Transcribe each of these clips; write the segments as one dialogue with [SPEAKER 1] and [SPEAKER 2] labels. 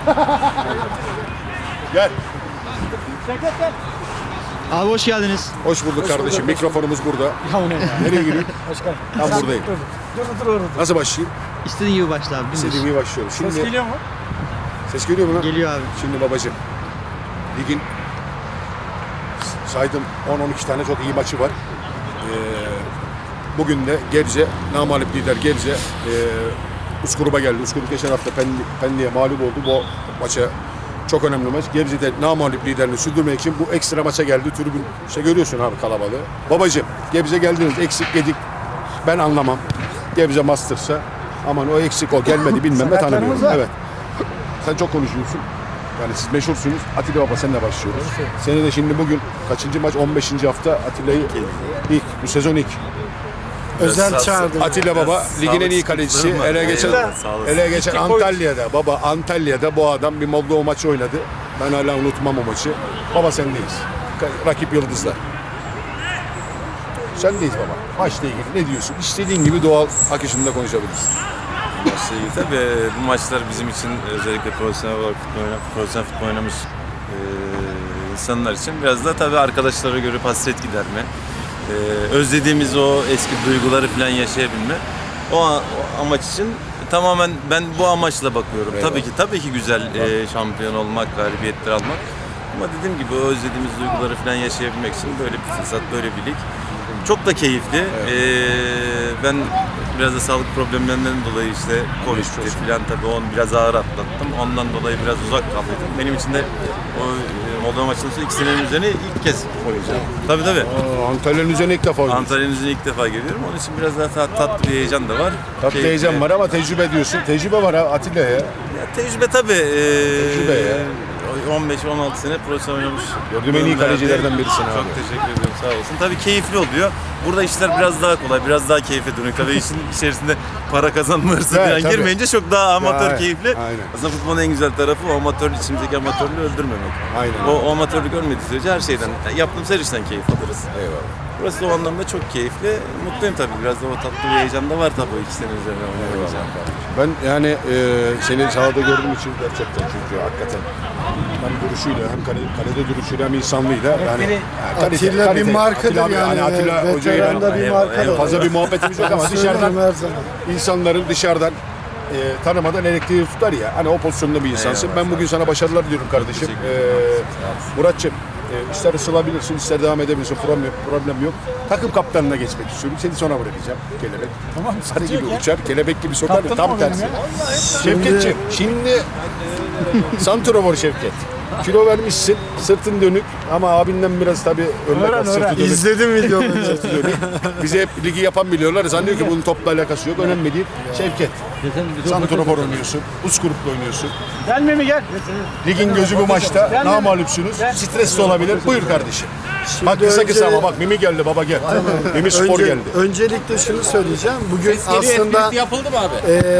[SPEAKER 1] Gel.
[SPEAKER 2] Abi hoş geldiniz.
[SPEAKER 1] Hoş bulduk kardeşim. Mikrofonumuz burada.
[SPEAKER 3] Ya o ne ya?
[SPEAKER 1] Nereye giriyor?
[SPEAKER 3] Başkan.
[SPEAKER 1] Ben buradayım.
[SPEAKER 3] Dur orada.
[SPEAKER 1] Nasıl başlayayım?
[SPEAKER 2] İstediğin gibi başla abi. dümdüz.
[SPEAKER 1] İstediğim gibi başlıyorum. Şimdi
[SPEAKER 3] Ses geliyor mu?
[SPEAKER 1] ses geliyor mu lan?
[SPEAKER 2] Geliyor abi.
[SPEAKER 1] Şimdi babacığım. Ligin saydım 10-12 tane çok iyi maçı var. Bugün de Gebze, namağlup lider Gebze Uskurup'a geldi. Uskurup geçen hafta Pendik'e mağlup oldu. Bu maça çok önemli maç. Gebze'de namağlup liderini sürdürmek için bu ekstra maça geldi. Tribün işte görüyorsun abi kalabalığı. Babacığım Gebze geldiniz eksik yedik. Ben anlamam. Gebze Masters'a aman o eksik o gelmedi bilmem ne tanımıyorum. Evet. Sen çok konuşuyorsun. Yani siz meşhursunuz. Atilla Baba senle başlıyoruz. Seni de şimdi bugün kaçıncı maç? 15. hafta Atilla'yı ilk bu sezon ilk.
[SPEAKER 3] Özel çağırdı.
[SPEAKER 1] Atilla Baba ligin en iyi kalecisi. Ele geçen Antalya'da. Baba Antalya'da bu adam bir Moldova maçı oynadı. Ben hala unutmam o maçı. Baba sendeyiz. Rakip yıldızlar. Sendeyiz baba. Maçla ilgili ne diyorsun? İstediğin gibi doğal akışında konuşabilirsin.
[SPEAKER 4] Tabii bu maçlar bizim için özellikle profesyonel futbol oynamış insanlar için biraz da tabii arkadaşlara göre hasret giderme. Özlediğimiz o eski duyguları falan yaşayabilme. O amaç için tamamen ben bu amaçla bakıyorum.
[SPEAKER 1] Eyvallah.
[SPEAKER 4] Tabii ki güzel şampiyon olmak, galibiyetler almak. Ama dediğim gibi o özlediğimiz duyguları falan yaşayabilmek için böyle bir fırsat, böyle bir lig. Çok da keyifli. Ben biraz da sağlık problemlerinden dolayı işte Covid'di falan tabii onu biraz ağır atlattım. Ondan dolayı biraz uzak kaldım. Benim için de o Moldova maçının sonra 2 senenin üzerine ilk kez oynayacağım. Tabii.
[SPEAKER 1] Antalya'nın üzerine ilk defa oynuyorsun.
[SPEAKER 4] Antalya'nın üzerine ilk defa geliyorum. Onun için biraz daha tatlı bir heyecan da var.
[SPEAKER 1] Tatlı
[SPEAKER 4] Keyifli.
[SPEAKER 1] heyecan var ama tecrübe diyorsun. Tecrübe var ha Atilla'ya.
[SPEAKER 4] Ya, tecrübe tabii.
[SPEAKER 1] Tecrübe ya.
[SPEAKER 4] 15-16 sene profesyonel oynamış.
[SPEAKER 1] Gördüğüm en iyi kalecilerden birisin abi.
[SPEAKER 4] Çok teşekkür ediyorum, sağ olasın. Tabii keyifli oluyor. Burada işler biraz daha kolay, biraz daha keyfe dönüyor. Tabii işin içerisinde para kazanma hırsı
[SPEAKER 1] Evet,
[SPEAKER 4] falan
[SPEAKER 1] tabii.
[SPEAKER 4] girmeyince çok daha amatör,
[SPEAKER 1] Ya,
[SPEAKER 4] keyifli.
[SPEAKER 1] aynen.
[SPEAKER 4] Aslında futbolun en güzel tarafı o amatör, içimizdeki amatörlüğü öldürmemek.
[SPEAKER 1] Aynen.
[SPEAKER 4] O amatörlük ölmediği sürece her şeyden, yaptığımız her işten keyif alırız.
[SPEAKER 1] Eyvallah.
[SPEAKER 4] Burası da o anlamda çok keyifli. Mutluyum tabii. Biraz da o tatlı bir heyecan da var tabii o 2 sene üzerine oynayacağım.
[SPEAKER 1] Ben yani seni sahada gördüğüm için gerçekten çünkü hakikaten hem duruşuyla hem kalede duruşuyla hem insanlığıyla yani
[SPEAKER 3] Atilla bir markadır
[SPEAKER 1] Atilla abi,
[SPEAKER 3] yani.
[SPEAKER 1] Atilla hocayla
[SPEAKER 3] Veteranda bir markadır.
[SPEAKER 1] fazla bir muhabbetimiz yok ama dışarıdan
[SPEAKER 3] Her zaman.
[SPEAKER 1] insanların dışarıdan tanımadan elektriği tutar ya. Hani o pozisyonda bir insansın. Ben bugün sana başarılar diliyorum kardeşim. Muratçım ister ısılabilirsin, ister devam edebilirsin. Problem yok. Takım kaptanına geçmek istiyorum. Seni sona bırakacağım. Kelebek. Tamam. Sarı gibi uçar. Kelebek gibi sokar. Tam tersi. Şevketciğim şimdi Santrafor Şevket. Kilo vermişsin, sırtın dönük ama abinden biraz tabii örnek al, sırtı dönük.
[SPEAKER 3] İzledim videoları.
[SPEAKER 1] Sırtı dönük. Bize hep ligi yapan biliyorlar. Zannediyor ki bunun topla alakası yok. Önemli değil. Şevket. Santrafor oynuyorsun. Uskurup'la oynuyorsun.
[SPEAKER 3] Gelme mi gel.
[SPEAKER 1] Ligin gözü bu maçta. Namağlupsunuz. Stresli olabilir. Buyur kardeşim. Bak kısa ama bak Mimi geldi baba gel. Mimi Spor geldi.
[SPEAKER 3] Öncelikle şunu söyleyeceğim. Bugün aslında
[SPEAKER 5] yapıldı mı abi?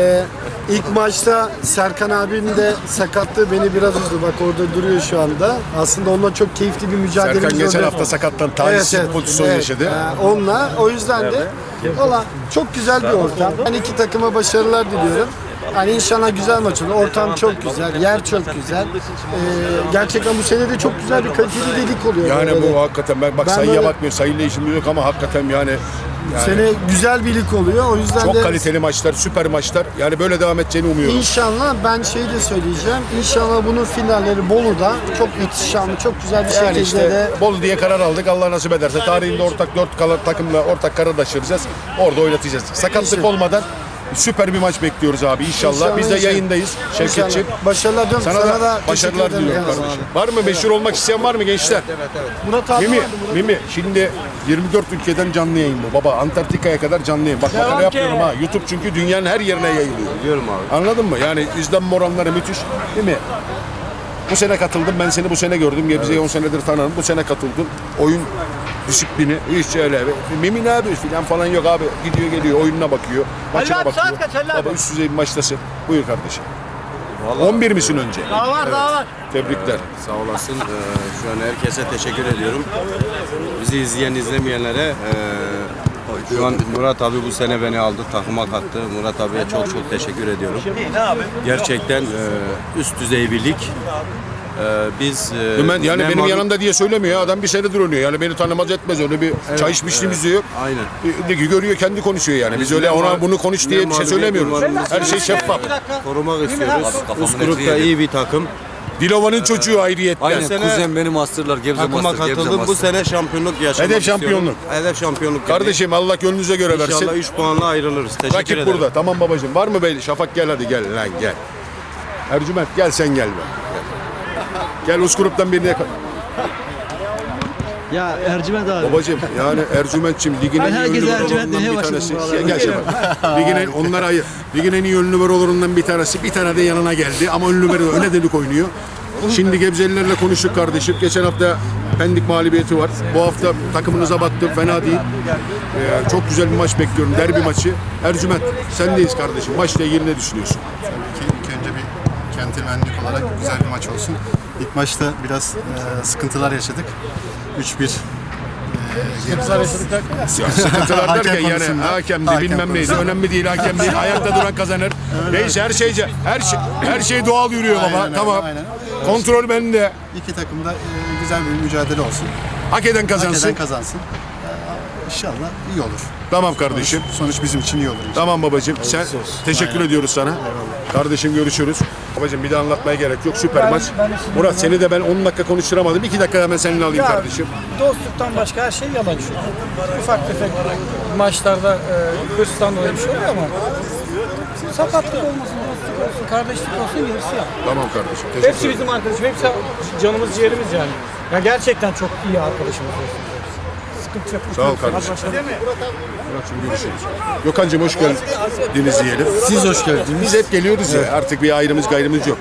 [SPEAKER 3] ilk maçta Serkan abinin de sakatlığı beni biraz üzdü. Bak orada duruyor şu anda. Aslında onunla çok keyifli bir mücadele
[SPEAKER 1] Serkan geçen hafta sakattan talihsiz bir pozisyon yaşadı.
[SPEAKER 3] Onunla. O yüzden de valla çok güzel bir ortam. Ben iki takıma başarılar diliyorum. Yani inşallah güzel maç olur. Ortam çok güzel, yer çok güzel. Gerçekten bu sene de çok güzel bir kaliteli delik oluyor.
[SPEAKER 1] Yani
[SPEAKER 3] böyle.
[SPEAKER 1] bu hakikaten ben
[SPEAKER 3] Ben
[SPEAKER 1] sayıya
[SPEAKER 3] böyle-
[SPEAKER 1] bakmıyorum. Sayıyla işimiz yok ama hakikaten yani
[SPEAKER 3] Sene güzel bir lig oluyor. O yüzden
[SPEAKER 1] çok
[SPEAKER 3] de
[SPEAKER 1] kaliteli maçlar, süper maçlar. Yani böyle devam edeceğini umuyorum.
[SPEAKER 3] İnşallah ben şey de söyleyeceğim. İnşallah bunun finalleri Bolu'da çok ihtişamlı, çok güzel bir
[SPEAKER 1] Yani
[SPEAKER 3] şekilde
[SPEAKER 1] işte
[SPEAKER 3] de
[SPEAKER 1] Bolu diye karar aldık. Allah nasip ederse tarihinde ortak 4 takımla ortak kararlaştıracağız. Orada oynatacağız. Sakatlık
[SPEAKER 3] İnşallah.
[SPEAKER 1] olmadan süper bir maç bekliyoruz abi inşallah.
[SPEAKER 3] İnşallah,
[SPEAKER 1] Biz de
[SPEAKER 3] inşallah.
[SPEAKER 1] yayındayız Şevketciğim.
[SPEAKER 3] İnşallah. Başarılar diliyorum.
[SPEAKER 1] Sana da
[SPEAKER 3] teşekkür
[SPEAKER 1] başarılar
[SPEAKER 3] ederim
[SPEAKER 1] diliyorum
[SPEAKER 3] kardeşim.
[SPEAKER 1] kardeşim. Var mı meşhur olmak isteyen var mı gençler?
[SPEAKER 3] Murat abi
[SPEAKER 1] Mimi,
[SPEAKER 3] vardı, Murat.
[SPEAKER 1] Mimi şimdi 24 ülkeden canlı yayın bu. Baba Antarktika'ya kadar canlı yayın. Bak makara yapmıyorum ha. YouTube çünkü dünyanın her yerine yayılıyor.
[SPEAKER 5] Biliyorum abi.
[SPEAKER 1] Anladın mı? Yani izlenme oranları müthiş. Değil mi? Bu sene katıldım. Ben seni bu sene gördüm. Gebze'yi 10 senedir tanırım. Bu sene katıldım. Oyun disiplini hiç öyle. Mimi ne yapıyor falan yok abi. Gidiyor geliyor oyununa bakıyor. Maçına bakıyor. Baba üst düzey bir maçtasın. Buyur kardeşim.
[SPEAKER 5] Vallahi
[SPEAKER 1] 11 misin önce?
[SPEAKER 3] Daha var.
[SPEAKER 1] Tebrikler.
[SPEAKER 5] sağ olasın. Şu an herkese teşekkür ediyorum. Bizi izleyen izlemeyenlere Şu an Murat abi bu sene beni aldı, takıma kattı. Murat abiye çok çok teşekkür ediyorum. Gerçekten üst düzey bir lig. Biz
[SPEAKER 1] Ben, yani
[SPEAKER 5] ne
[SPEAKER 1] benim
[SPEAKER 5] mağlup-
[SPEAKER 1] yanımda diye söylemiyor ya. Adam bir senedir oynuyor. Yani beni tanımaz etmez. Öyle bir çay içmişliğimiz de yok.
[SPEAKER 5] Aynen.
[SPEAKER 1] Ligi görüyor, kendi konuşuyor yani. Biz öyle ona bunu konuş diye bir şey söylemiyoruz. Her şey şeffaf.
[SPEAKER 5] Korumak istiyoruz. Üst grupta iyi bir takım.
[SPEAKER 1] Dilova'nın çocuğu ayrıyetten.
[SPEAKER 5] Aynen.
[SPEAKER 6] Aynen, kuzen benim masterlar, Gebze
[SPEAKER 5] Takıma
[SPEAKER 6] master, Gebze
[SPEAKER 5] katıldım. Bu
[SPEAKER 6] master.
[SPEAKER 5] sene şampiyonluk yaşamak
[SPEAKER 1] Hedef
[SPEAKER 5] istiyorum.
[SPEAKER 1] şampiyonluk.
[SPEAKER 5] Hedef şampiyonluk.
[SPEAKER 1] Kardeşim Allah gönlünüze göre versin.
[SPEAKER 5] İnşallah 3 puanla ayrılırız. Teşekkür
[SPEAKER 1] Rakip
[SPEAKER 5] ederim.
[SPEAKER 1] burada. Tamam babacığım. Var mı belli? Şafak gel hadi gel lan gel. Ercüment gel sen gel be. Gel Uskurup'tan birini yakala.
[SPEAKER 2] Ya Ercüment abi.
[SPEAKER 1] Babacığım yani Ercüment'çim ligin en
[SPEAKER 2] Ben
[SPEAKER 1] iyi
[SPEAKER 2] herkese
[SPEAKER 1] ünlü
[SPEAKER 2] Ercüment
[SPEAKER 1] numaralarından
[SPEAKER 2] demeye
[SPEAKER 1] bir
[SPEAKER 2] başladım
[SPEAKER 1] tanesi.
[SPEAKER 2] vallahi.
[SPEAKER 1] Gel Şafak. Ligin en, onlara ayır. Ligin en iyi ünlü numaralarından bir tanesi. Bir tane de yanına geldi ama ünlü numara öne delik oynuyor. Şimdi Gebzelilerle konuştuk kardeşim. Geçen hafta Pendik mağlubiyeti var. Bu hafta takımınıza baktım. Fena değil. Çok güzel bir maç bekliyorum. Derbi maçı. Ercüment sendeyiz kardeşim. Maçla ilgili ne düşünüyorsun?
[SPEAKER 7] İlk önce bir centilmenlik olarak güzel bir maç olsun. İlk maçta biraz sıkıntılar yaşadık. 3-1
[SPEAKER 1] Sıkıntılar derken yani
[SPEAKER 7] konusunda.
[SPEAKER 1] hakemdi
[SPEAKER 7] Hakem
[SPEAKER 1] bilmem neydi.
[SPEAKER 7] konusunda.
[SPEAKER 1] Önemli değil hakem değil. Ayakta duran kazanır. Neyse her şey doğal yürüyor baba.
[SPEAKER 7] Aynen öyle,
[SPEAKER 1] Tamam.
[SPEAKER 7] aynen.
[SPEAKER 1] Kontrol bende.
[SPEAKER 7] İki takım da güzel bir mücadele olsun.
[SPEAKER 1] Hak eden kazansın.
[SPEAKER 7] Hak eden kazansın. İnşallah iyi olur.
[SPEAKER 1] Tamam kardeşim.
[SPEAKER 7] Sonuç bizim için iyi olur. inşallah.
[SPEAKER 1] Tamam babacığım. Sen teşekkür ediyoruz sana. Kardeşim görüşürüz. Babacığım bir de anlatmaya gerek yok. Süper maç. Murat seni de ben 10 dakika konuşturamadım. 2 dakika hemen seninle alayım kardeşim.
[SPEAKER 8] Dostluktan başka her şey yalan şu. Ufak tefek maçlarda hırstan dolayı bir şey oluyor ama sakatlık olmasın, dostluk olsun, kardeşlik olsun gerisi ya.
[SPEAKER 1] Tamam kardeşim. Teşekkür
[SPEAKER 8] Hepsi
[SPEAKER 1] ederim.
[SPEAKER 8] bizim arkadaşım, hepsi canımız ciğerimiz yani. Ya gerçekten çok iyi arkadaşımız. Sıkıntı yok.
[SPEAKER 1] Sağ ol kardeşim. Murat'cığım görüşürüz. Gökhan'cığım hoş geldiniz diyelim.
[SPEAKER 7] Siz hoş geldiniz.
[SPEAKER 1] Biz hep geliyoruz ya. Artık bir ayrımız gayrımız yok.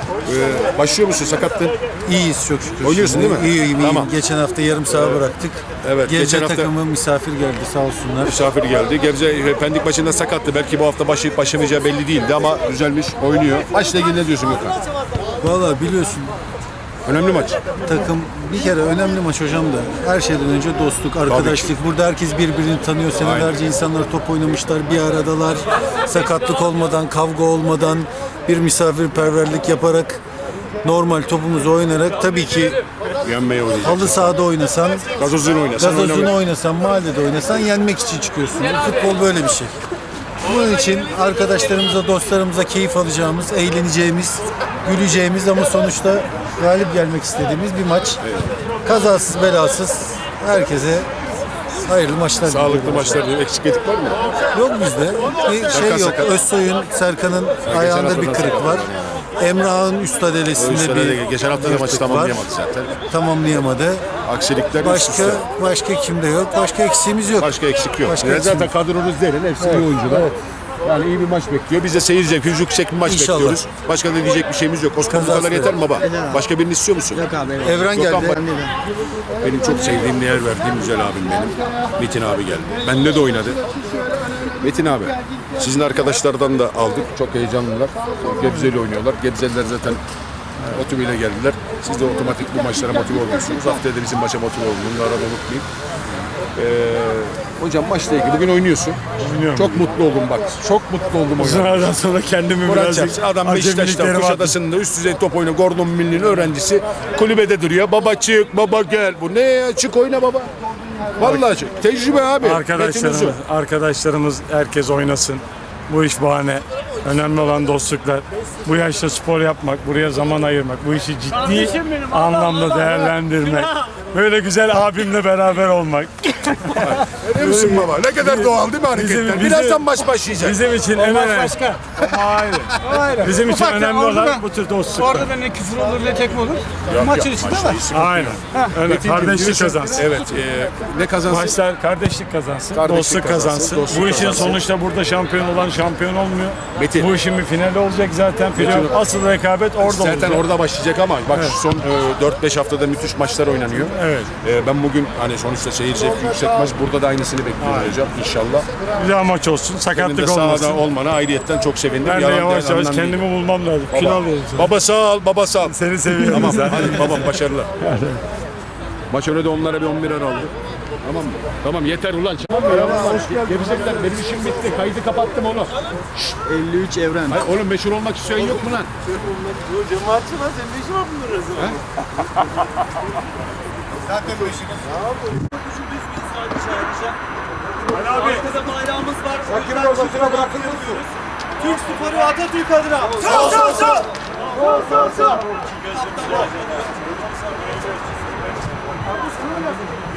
[SPEAKER 1] Başlıyor musun? Sakattın.
[SPEAKER 9] İyiyiz çok şükür.
[SPEAKER 1] Oynuyorsun
[SPEAKER 9] Şimdi.
[SPEAKER 1] değil mi?
[SPEAKER 9] İyiyim.
[SPEAKER 1] Tamam.
[SPEAKER 9] Geçen hafta yarım saha bıraktık.
[SPEAKER 1] Evet,
[SPEAKER 9] Gebze
[SPEAKER 1] geçen hafta-
[SPEAKER 9] takımı misafir geldi sağ olsunlar.
[SPEAKER 1] Misafir geldi. Gebze Pendik maçında sakattı. Belki bu hafta başlayıp başlamayacağı belli değildi ama düzelmiş, oynuyor. Maçla ilgili ne diyorsun Gökhan?
[SPEAKER 9] Valla biliyorsun
[SPEAKER 1] Önemli maç.
[SPEAKER 9] takım bir kere önemli maç hocam da her şeyden önce dostluk, arkadaşlık. Burada herkes birbirini tanıyor. Senelerce insanlar top oynamışlar, bir aradalar. Sakatlık olmadan, kavga olmadan bir misafirperverlik yaparak normal topumuzu oynayarak tabii ki
[SPEAKER 1] Yenmeye oynayacak.
[SPEAKER 9] halı sahada oynasan,
[SPEAKER 1] Gazozunu oynasan.
[SPEAKER 9] gazozunu oynasan, mahallede oynasan yenmek için çıkıyorsun. Futbol böyle bir şey. Bunun için arkadaşlarımıza, dostlarımıza keyif alacağımız, eğleneceğimiz, güleceğimiz ama sonuçta galip gelmek istediğimiz bir maç. Kazasız belasız herkese hayırlı maçlar
[SPEAKER 1] Sağlıklı
[SPEAKER 9] diliyorum.
[SPEAKER 1] maçlar diyor. Eksik edik var mı?
[SPEAKER 9] Yok bizde. Bir şey yok.
[SPEAKER 1] sakat.
[SPEAKER 9] Özsoy'un, Serkan'ın
[SPEAKER 1] hafta
[SPEAKER 9] ayağında bir
[SPEAKER 1] da
[SPEAKER 9] kırık
[SPEAKER 1] sakat
[SPEAKER 9] var. Emrah'ın üst adelesinde bir
[SPEAKER 1] Geçen hafta da maçı
[SPEAKER 9] yırtık var.
[SPEAKER 1] tamamlayamadı zaten.
[SPEAKER 9] Tamamlayamadı.
[SPEAKER 1] Aksilikler üst üste.
[SPEAKER 9] Başka kimde yok. Başka eksiğimiz yok.
[SPEAKER 1] Başka eksik yok.
[SPEAKER 9] Başka
[SPEAKER 1] Yani
[SPEAKER 9] eksik
[SPEAKER 1] zaten kadronuz derin. Hepsi iyi oyuncular. Yani iyi bir maç bekliyor. Biz de seyir zevki, yüksek bir maç
[SPEAKER 9] İnşallah.
[SPEAKER 1] bekliyoruz. Başka da diyecek bir şeyimiz yok. Osman bu
[SPEAKER 9] Kazası
[SPEAKER 1] kadar yeter mi baba? Başka birini istiyor musun?
[SPEAKER 2] Yok abi. Evet.
[SPEAKER 9] Evren
[SPEAKER 1] Gökhan
[SPEAKER 9] geldi.
[SPEAKER 1] bak- Benim çok sevdiğim, değer verdiğim güzel abim benim. Metin abi geldi. Benle de oynadı. Metin abi, sizin arkadaşlardan da aldık. Çok heyecanlılar. Gebze'yle oynuyorlar. Gebzeliler zaten motiveyle geldiler. Siz de otomatik bu maçlara motive oluyorsunuz. Haftaya da bizim maça motive olun. Bunları da unutmayın. Hocam maçla ilgili bugün oynuyorsun. Çok mutlu oldum bak. Çok mutlu oldum oynarken.
[SPEAKER 10] Sonradan sonra kendimi
[SPEAKER 1] Murat
[SPEAKER 10] birazcık
[SPEAKER 1] Çarşı, adam Beşiktaş'ta,
[SPEAKER 10] acemiliklerim attım.
[SPEAKER 1] Kuşadası'nda üst düzey top oynuyor. Gordon Milli'nin öğrencisi. Kulübede duruyor. Baba çık, baba gel. Bu ne ya? Çık oyna baba. Vallahi çık. Tecrübe abi. Metin Uzun.
[SPEAKER 10] Arkadaşlarımız herkes oynasın. Bu iş bahane. Önemli olan dostluklar. Bu yaşta spor yapmak, buraya zaman ayırmak, bu işi ciddi anlamda değerlendirmek. Böyle güzel abimle beraber olmak.
[SPEAKER 1] Görüyor musun baba? Ne kadar doğal değil mi hareketler?
[SPEAKER 10] bizim-
[SPEAKER 1] Birazdan maç başlayacak.
[SPEAKER 10] Bizim için en önemli.
[SPEAKER 8] Başka.
[SPEAKER 10] Hayır.
[SPEAKER 8] Hayır.
[SPEAKER 10] Bizim için
[SPEAKER 8] Ufak
[SPEAKER 10] önemli
[SPEAKER 8] orada
[SPEAKER 10] olan
[SPEAKER 8] da-
[SPEAKER 10] bu tür dostluklar.
[SPEAKER 8] Orada da ne küfür olur ne tekme olur. Maçın içinde var.
[SPEAKER 10] Aynen. Öyle
[SPEAKER 1] Metin'cim
[SPEAKER 10] kardeşlik
[SPEAKER 1] diyorsun-
[SPEAKER 10] kazansın.
[SPEAKER 1] Evet. Ne kazansın?
[SPEAKER 10] Maçlar kardeşlik kazansın,
[SPEAKER 1] Kardeşlik
[SPEAKER 10] dostluk
[SPEAKER 1] kazansın,
[SPEAKER 10] kazansın.
[SPEAKER 1] dostluk
[SPEAKER 10] Bu işin
[SPEAKER 1] kazansın.
[SPEAKER 10] sonuçta burada şampiyon olan şampiyon olmuyor.
[SPEAKER 1] Metin.
[SPEAKER 10] Bu işin bir finali olacak zaten. Playoff, asıl rekabet orada
[SPEAKER 1] Zaten
[SPEAKER 10] olacak.
[SPEAKER 1] orada başlayacak ama bak şu son 4-5 haftada müthiş maçlar oynanıyor.
[SPEAKER 10] Evet.
[SPEAKER 1] Ben bugün hani sonuçta seyir zevki yüksek maç. Burada da aynısını bekliyorum hocam inşallah.
[SPEAKER 10] Güzel maç olsun,
[SPEAKER 1] Senin de
[SPEAKER 10] sakatlık
[SPEAKER 1] sahada
[SPEAKER 10] olmasın.
[SPEAKER 1] olmana ayrıyetten çok sevindim.
[SPEAKER 10] Ben de
[SPEAKER 1] Yalan
[SPEAKER 10] yavaş
[SPEAKER 1] değil,
[SPEAKER 10] yavaş
[SPEAKER 1] anlam değil.
[SPEAKER 10] kendimi bulmam lazım. Kilo
[SPEAKER 1] Baba,
[SPEAKER 10] alıyorum sana.
[SPEAKER 1] baba sağ ol, baba sağ ol.
[SPEAKER 10] Seni seviyorum
[SPEAKER 1] Tamam
[SPEAKER 10] zaten.
[SPEAKER 1] hadi babam başarılar. Maç önü de onlara bir 11'er aldı. Tamam mı? Tamam yeter ulan. Gerizekler benim işim bitti. Kaydı kapattım oğlum.
[SPEAKER 2] 53 Evren.
[SPEAKER 1] Hayır oğlum meşhur olmak isteyen yok mu lan?
[SPEAKER 4] Cemaatçı lan senin ne işin var bunların arasında?
[SPEAKER 7] Zaten bu işin.
[SPEAKER 6] Arkada bayrağımız var. Sakın ortasına bırakılmasın. Türk sporu Atatürk adına. Sağ sağ sağ. Sağ sağ sağ.